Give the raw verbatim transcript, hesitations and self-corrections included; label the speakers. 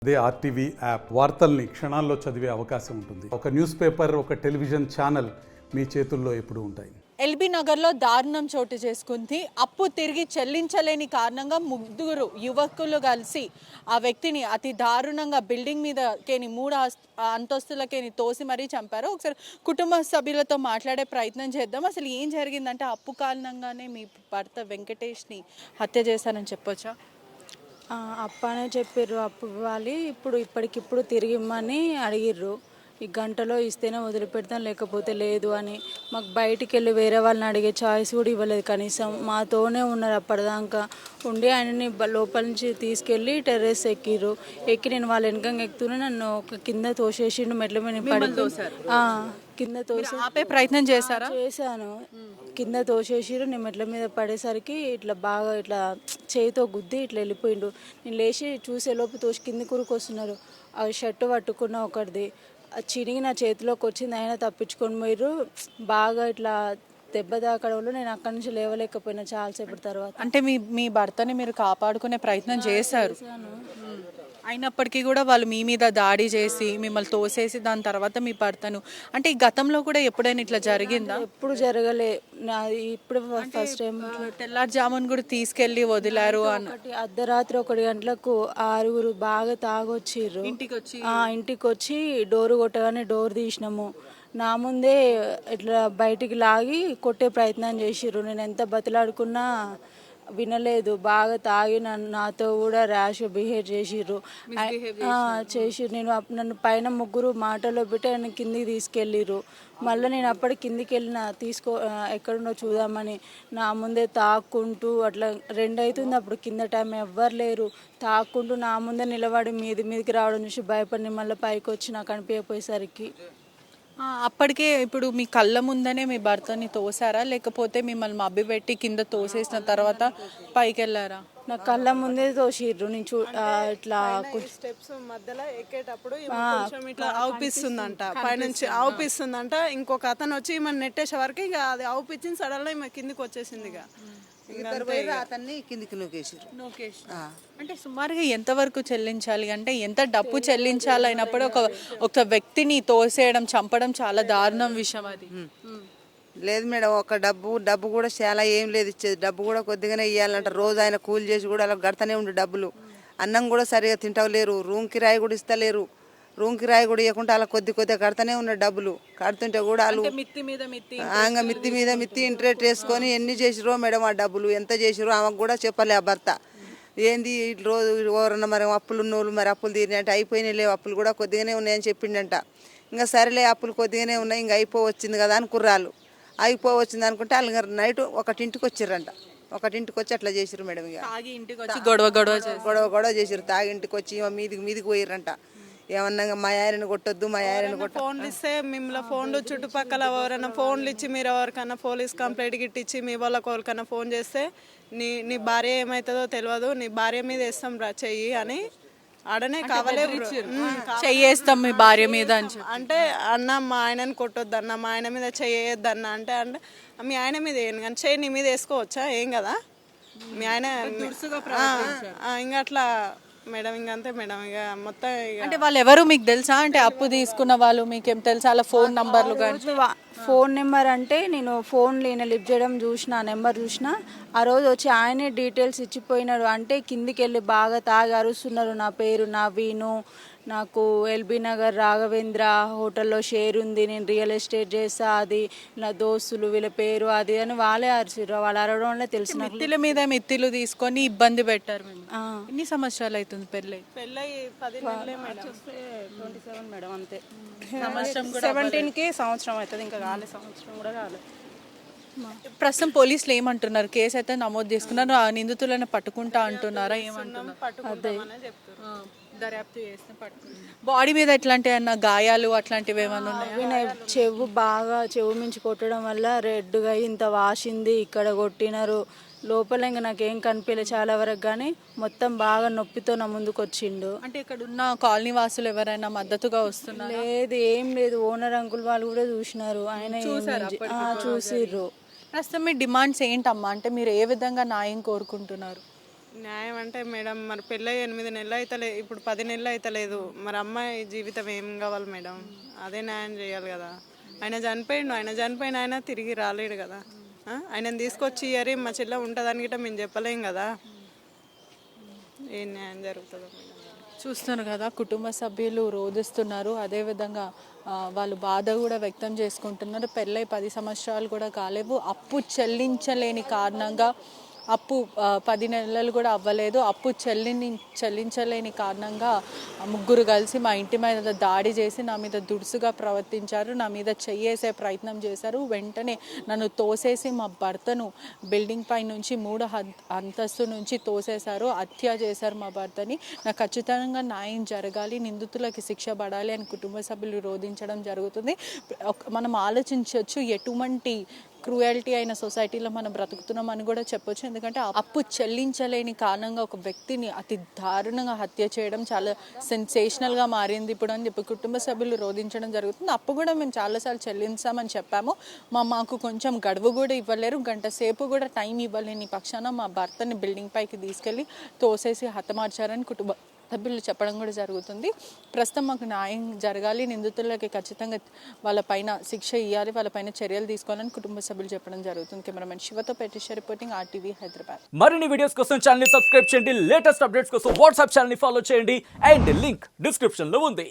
Speaker 1: అదే RTV app వార్తల్ని క్షణాల్లో చదివే అవకాశం ఉంటుంది. ఒక న్యూస్ పేపర్, ఒక టెలివిజన్ ఛానల్ మీ చేతుల్లో ఎప్పుడూ ఉంటాయి.
Speaker 2: ఎల్బీ నగర్లో దారుణం చోటు చేసుకుంది. అప్పు తిరిగి చెల్లించలేని కారణంగా ముగ్గురు యువకులు కలిసి ఆ వ్యక్తిని అతి దారుణంగా బిల్డింగ్ మీదకేని మూడు అంతస్తులకేని తోసి మరీ చంపారు. ఒకసారి కుటుంబ సభ్యులతో మాట్లాడే ప్రయత్నం చేద్దాం. అసలు ఏం జరిగిందంటే అప్పు కారణంగానే మీ భర్త వెంకటేష్ని హత్య చేశారని చెప్పొచ్చా?
Speaker 3: అప్పనే చెప్పారు అప్పు ఇవ్వాలి, ఇప్పుడు ఇప్పటికిప్పుడు తిరిగి ఇమ్మని అడిగిర్రు. ఈ గంటలో ఇస్తేనే వదిలిపెడతాం, లేకపోతే లేదు అని. మాకు బయటికి వెళ్ళి వేరే వాళ్ళని అడిగే ఛాయిస్ కూడా ఇవ్వలేదు. కనీసం మాతోనే ఉన్నారు అప్పటిదాకా ఉండి. ఆయనని లోపల నుంచి తీసుకెళ్ళి టెర్రస్ ఎక్కిర్రు. ఎక్కి నేను వాళ్ళ వెనకంగా ఎక్కుతూనే నన్ను ఒక కింద తోసేసిండు. మెట్ల మీద పడి కింద తోసి
Speaker 2: ఆపే ప్రయత్నం చేశారా?
Speaker 3: చేశాను. కింద తోసేసిరు. నేను మెట్ల మీద పడేసరికి ఇట్లా బాగా ఇట్లా చేయితో గుద్ది ఇట్లా వెళ్ళిపోయిండు. నేను లేచి చూసే లోపు తోసి కింది కూరకు వస్తున్నారు. ఆ షర్టు పట్టుకున్న ఒకటిది చిరిగి నా చేతిలోకి వచ్చింది. ఆయన తప్పించుకొని పోయిర్రు. బాగా ఇట్లా దెబ్బ తాకడంలో నేను అక్కడి నుంచి లేవలేకపోయినా చాలాసేపటి తర్వాత.
Speaker 2: అంటే మీ మీ భర్తని మీరు కాపాడుకునే ప్రయత్నం చేశారు, అయినప్పటికీ కూడా వాళ్ళు మీ మీద దాడి చేసి మిమ్మల్ని తోసేసి దాని తర్వాత మీ భర్తను, అంటే ఈ గతంలో కూడా ఎప్పుడైనా ఇట్లా జరిగిందా?
Speaker 3: ఎప్పుడు జరగలే. నా ఇప్పుడు ఫస్ట్ టైం.
Speaker 2: తెల్లారుజామున్ కూడా తీసుకెళ్లి వదిలారు అని.
Speaker 3: అర్ధరాత్రి ఒకటి గంటలకు ఆరుగురు బాగా తాగొచ్చిర్రు.
Speaker 2: ఇంటికి వచ్చి
Speaker 3: ఇంటికి వచ్చి డోరు కొట్టగానే డోర్ తీసినాము. నా ముందే ఇట్లా బయటికి లాగి కొట్టే ప్రయత్నం చేసిర్రు. నేను ఎంత బతిలాడుకున్నా వినలేదు. బాగా తాగి నన్ను నాతో కూడా ర్యాష్ బిహేవ్ చేసిర్రు చేసిర్రు నేను నన్ను పైన ముగ్గురు మాటలో పెట్టి ఆయన కిందికి తీసుకెళ్ళిర్రు. మళ్ళీ నేను అప్పటి కిందికి వెళ్ళిన తీసుకో ఎక్కడున్నో చూద్దామని. నా ముందే తాక్కుంటూ అట్లా రెండు అవుతుంది. అప్పుడు కింద టైం ఎవ్వరు లేరు. తాక్కుంటూ నా ముందే నిలబడి మీది మీదికి రావడం చూసి భయపడి మళ్ళీ పైకి వచ్చి నాకు కనిపించపోయేసరికి
Speaker 2: అప్పటికే ఇప్పుడు మీ కళ్ళ ముందనే మీ భర్తని తోసారా, లేకపోతే మిమ్మల్ని మబ్బి పెట్టి కింద తోసేసిన తర్వాత పైకి వెళ్ళారా?
Speaker 3: నా కళ్ళ ముందే తోసిర్రు. నేను చూ ఇట్లా
Speaker 4: స్టెప్స్ మధ్యలో ఎక్కేటప్పుడు ఇట్లా ఆవుపిస్తుందంట, పైనుంచి ఆవుపిస్తుందంట. ఇంకొక అతను వచ్చి మన నెట్టేసే వరకు ఇక అది ఆవుపిచ్చింది. సడన్ గా కిందికి వచ్చేసింది. ఇక
Speaker 5: అతన్ని కిందికి నూకేసారు.
Speaker 2: అంటే సుమారుగా ఎంత వరకు చెల్లించాలి, అంటే ఎంత డబ్బు చెల్లించాలి అయినప్పుడు ఒక ఒక వ్యక్తిని తోసేయడం, చంపడం చాలా దారుణం విషయం అది.
Speaker 5: లేదు మేడం, ఒక డబ్బు డబ్బు కూడా చాలా ఏం లేదు ఇచ్చేది. డబ్బు కూడా కొద్దిగానే ఇవ్వాలంట. రోజు ఆయన కూలి చేసి కూడా అలా గడతనే ఉండు డబ్బులు. అన్నం కూడా సరిగా తింటలేరు. రూమ్ కిరాయి కూడా ఇస్తలేరు. రూమ్ కిరాయి కూడా ఇవ్వకుండా అలా కొద్ది కొద్దిగా కడతానే ఉన్న డబ్బులు. కడుతుంటే కూడా వాళ్ళు
Speaker 2: మిత్తి మీద మిత్తి
Speaker 5: ఆంగ మిత్తి మీద మిత్తి ఇంట్రెస్ట్ వేసుకొని ఎన్ని చేసిరో మేడం. ఆ డబ్బులు ఎంత చేసిరో ఆమెకు కూడా చెప్పలే ఆ భర్త. ఏంది రోజు ఎవరన్నా మరి అప్పులు ఉన్నోళ్ళు మరి అప్పులు తీరినట్టు అయిపోయినాయి లేవు, అప్పులు కూడా కొద్దిగానే ఉన్నాయని చెప్పిండంట. ఇంకా సరేలే అప్పులు కొద్దిగానే ఉన్నాయి, ఇంకా అయిపోవచ్చింది కదా అని కుర్రాలు. అయిపోవచ్చింది అనుకుంటే వాళ్ళు నైట్ ఒకటింటికి వచ్చిర్రంట. ఒకటింటికి వచ్చి అట్లా చేసిరు మేడం. ఇక
Speaker 2: గొడవ గొడవ
Speaker 5: గొడవ గొడవ చేసిరు. తాగింటికి వచ్చి మీదికి మీదికి పోయిర్రంట. ఏమన్నా మా ఆయనను కొట్టొద్దు, మా ఆయనను కొట్ట
Speaker 4: ఫోన్లు ఇస్తే మిమ్మల్ని ఫోన్లు చుట్టుపక్కల ఎవరైనా ఫోన్లు ఇచ్చి మీరు ఎవరికైనా పోలీస్ కంప్లైంట్ గిట్టించి మీ వాళ్ళకి ఎవరికైనా ఫోన్ చేస్తే నీ నీ భార్య ఏమవుతుందో తెలియదు, నీ భార్య మీద వేస్తాం రా చెయ్యి అని ఆడనే కావాలే
Speaker 2: చెయ్యేస్తాం మీ భార్య మీద
Speaker 4: అంటే, అన్న మా ఆయనని కొట్టొద్దు అన్న, మా ఆయన మీద చెయ్యొద్దు అన్న అంటే అంటే మీ ఆయన మీద వేయను కానీ చెయ్యి నీ మీద వేసుకోవచ్చా, ఏం కదా మీ ఆయన ఇంకా అట్లా మేడం. ఇంక అంతే మేడం. ఇక మొత్తం
Speaker 2: అంటే వాళ్ళు ఎవరు మీకు తెలుసా? అంటే అప్పు తీసుకున్న వాళ్ళు మీకేం తెలుసా? అలా ఫోన్ నంబర్లు కానీ
Speaker 3: ఫోన్ నెంబర్ అంటే నేను ఫోన్ ఈయన లిఫ్ట్ చేయడం చూసిన, నెంబర్ చూసిన. ఆ రోజు వచ్చి ఆయనే డీటెయిల్స్ ఇచ్చిపోయినాడు. అంటే కిందికి వెళ్ళి బాగా తాగి అరుస్తున్నారు. నా పేరు నవీను, నాకు ఎల్బీ నగర్ రాఘవేంద్ర హోటల్లో షేర్ ఉంది, నేను రియల్ ఎస్టేట్ చేస్తా, అది నా దోస్తులు వీళ్ళ పేరు అది అని వాళ్ళే అరిచిర్రు. వాళ్ళు అరవడం వల్ల తెలిసిన
Speaker 2: మిత్తిల మీద మిత్తిలు తీసుకొని ఇబ్బంది పెట్టారు. ఎన్ని సంవత్సరాలు అవుతుంది పెళ్ళి?
Speaker 4: పెళ్ళి పది నెలలే మేడం.
Speaker 3: ట్వంటీ సెవెన్ మేడం అంతే. సెవెంటీన్ కి సంవత్సరం అవుతుంది, ఇంకా కాలే సంవత్సరం కూడా కాలేదు.
Speaker 2: ప్రస్తుతం పోలీసులు ఏమంటున్నారు? కేసు అయితే నమోదు చేసుకున్నారు, ఆ నిందితులను పట్టుకుంటా అంటున్నారా? ఏమంటున్నారు? దర్యాప్తు చేస్తే పట్టుకుంటారు. బాడీ మీద ఎట్లాంటి అన్న గాయాలు అట్లాంటివి ఏమన్నా ఉన్నాయా?
Speaker 3: చెవు బాగా చెవు మించి కొట్టడం వల్ల రెడ్గా ఇంత వాసింది. ఇక్కడ కొట్టినారు లోపల. ఇంకా నాకేం కనిపించలే చాలా వరకు, కానీ మొత్తం బాగా నొప్పితో నా ముందుకు వచ్చిండు.
Speaker 2: అంటే ఇక్కడ ఉన్న కాలనీ వాసులు ఎవరైనా మద్దతుగా వస్తున్నారు?
Speaker 3: లేదు, ఏం లేదు. ఓనర్ అంకుల్ వాళ్ళు కూడా చూసినారు, ఆయన చూసిర్రు.
Speaker 2: ప్రస్తుతం మీ డిమాండ్స్ ఏంటమ్మా? అంటే మీరు ఏ విధంగా న్యాయం కోరుకుంటున్నారు?
Speaker 4: న్యాయం అంటే మేడం మరి పెళ్ళి ఎనిమిది నెలలు అయితలే ఇప్పుడు పది నెలలు అయితలేదు మరి అమ్మాయి జీవితం ఏం కావాలి మేడం అదే న్యాయం చేయాలి కదా. ఆయన చనిపోయిండు, ఆయన చనిపోయిన ఆయన తిరిగి రాలేడు కదా. ఆ? ఆయనను తీసుకొచ్చి ఇయరి మా చెల్లె ఉంటుందని గిట్ట మేము చెప్పలేం కదా. ఏం న్యాయం జరుగుతుందో మేడం.
Speaker 2: చూస్తున్నారు కదా, కుటుంబ సభ్యులు రోధిస్తున్నారు. అదేవిధంగా ఆ, వాళ్ళు బాధ కూడా వ్యక్తం చేసుకుంటున్నారు. పెళ్ళై పది సంవత్సరాలు కూడా కాలేవు, అప్పు చెల్లించలేని కారణంగా అప్పు ఆ, పది నెలలు కూడా అవ్వలేదు. అప్పు చెల్లిని చెల్లించలేని కారణంగా ఆ ముగ్గురు కలిసి మా ఇంటి మీద దాడి చేసి నా మీద దుడుసుగా ప్రవర్తించారు, నా మీద చెయ్యేసే ప్రయత్నం చేశారు. వెంటనే నన్ను తోసేసి మా భర్తను బిల్డింగ్ పై నుంచి మూడు అంతస్తు నుంచి తోసేశారు, హత్య చేశారు మా భర్తని. నాకు ఖచ్చితంగా న్యాయం జరగాలి, నిందితులకి శిక్ష పడాలి అని కుటుంబ సభ్యులు రోధించడం జరుగుతుంది. మనం ఆలోచించవచ్చు ఎటువంటి క్రూయల్టీ అయిన సొసైటీలో మనం బ్రతుకుతున్నాం అని కూడా చెప్పొచ్చు. ఎందుకంటే అప్పు చెల్లించలేని కారణంగా ఒక వ్యక్తిని అతి దారుణంగా హత్య చేయడం చాలా సెన్సేషనల్గా మారింది ఇప్పుడు అని చెప్పి కుటుంబ సభ్యులు రోధించడం జరుగుతుంది. అప్పు కూడా మేము చాలాసార్లు చెల్లించామని చెప్పాము. మా మాకు కొంచెం గడువు కూడా ఇవ్వలేరు, గంట సేపు కూడా టైం ఇవ్వలేని పక్షాన మా భర్తని బిల్డింగ్ పైకి తీసుకెళ్ళి తోసేసి హతమార్చారని కుటుంబ సభ్యులు చెప్పడం కూడా జరుగుతుంది. ప్రస్తుతం మాకు న్యాయం జరగాలి, నిందితులకి ఖచ్చితంగా వాళ్ళపైన శిక్ష ఇవ్వాలి, వాళ్ళపైన చర్యలు తీసుకోవాలని కుటుంబ సభ్యులు చెప్పడం జరుగుతుంది. కెమెరామెన్ శివతో పెట్టేశ్వర రిపోర్టింగ్ ఆర్టీవీ హైదరాబాద్.
Speaker 6: మరిన్ని వీడియోస్ కోసం ఛానల్ ని సబ్స్క్రైబ్ చేయండి, లేటెస్ట్ అప్డేట్స్ కోసం వాట్సాప్ ఛానల్ ని ఫాలో చేయండి అండ్ లింక్ డిస్క్రిప్షన్ లో ఉంది.